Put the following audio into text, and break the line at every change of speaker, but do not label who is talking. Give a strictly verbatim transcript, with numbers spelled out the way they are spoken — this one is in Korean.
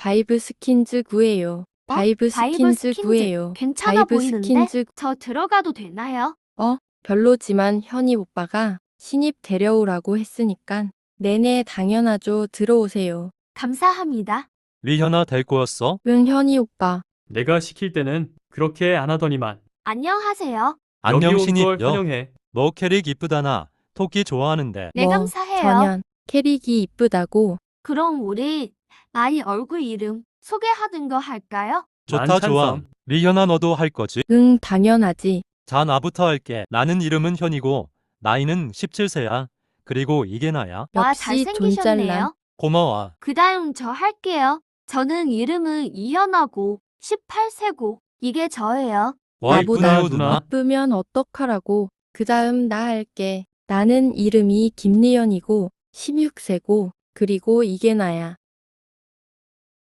바이브 스킨즈 구해요.
어?
바이브
바이브
스킨즈
스킨즈.
구해요.
괜찮아
바이브
보이는데?
스킨즈
저 들어가도 되나요?
어? 별로지만 현이 오빠가 신입 데려오라고 했으니깐 네네 당연하죠. 들어오세요.
감사합니다.
리현아 될 거였어?
응 현이 오빠.
내가 시킬 때는 그렇게 안 하더니만.
안녕하세요.
안녕
여기 온
신입
걸
여.
환영해.
너 캐릭 이쁘다나. 토끼 좋아하는데.
네,
뭐,
감사해요.
전현. 캐릭이 이쁘다고.
그럼 우리 나이 얼굴 이름 소개하는 거 할까요?
좋다
난
좋아.
찬성.
리현아 너도 할 거지?
응 당연하지.
자 나부터 할게. 나는 이름은 현이고 나이는 십칠 세야. 그리고 이게 나야.
와,
역시 돈잘남.
잘생기셨네요.
고마워.
그 다음 저 할게요. 저는 이름은 이현아고 십팔 세고 이게 저예요.
와
나보다
이쁘네요 누나.
이쁘면 어떡하라고. 그 다음 나 할게. 나는 이름이 김리연이고 십육 세고 그리고 이게 나야.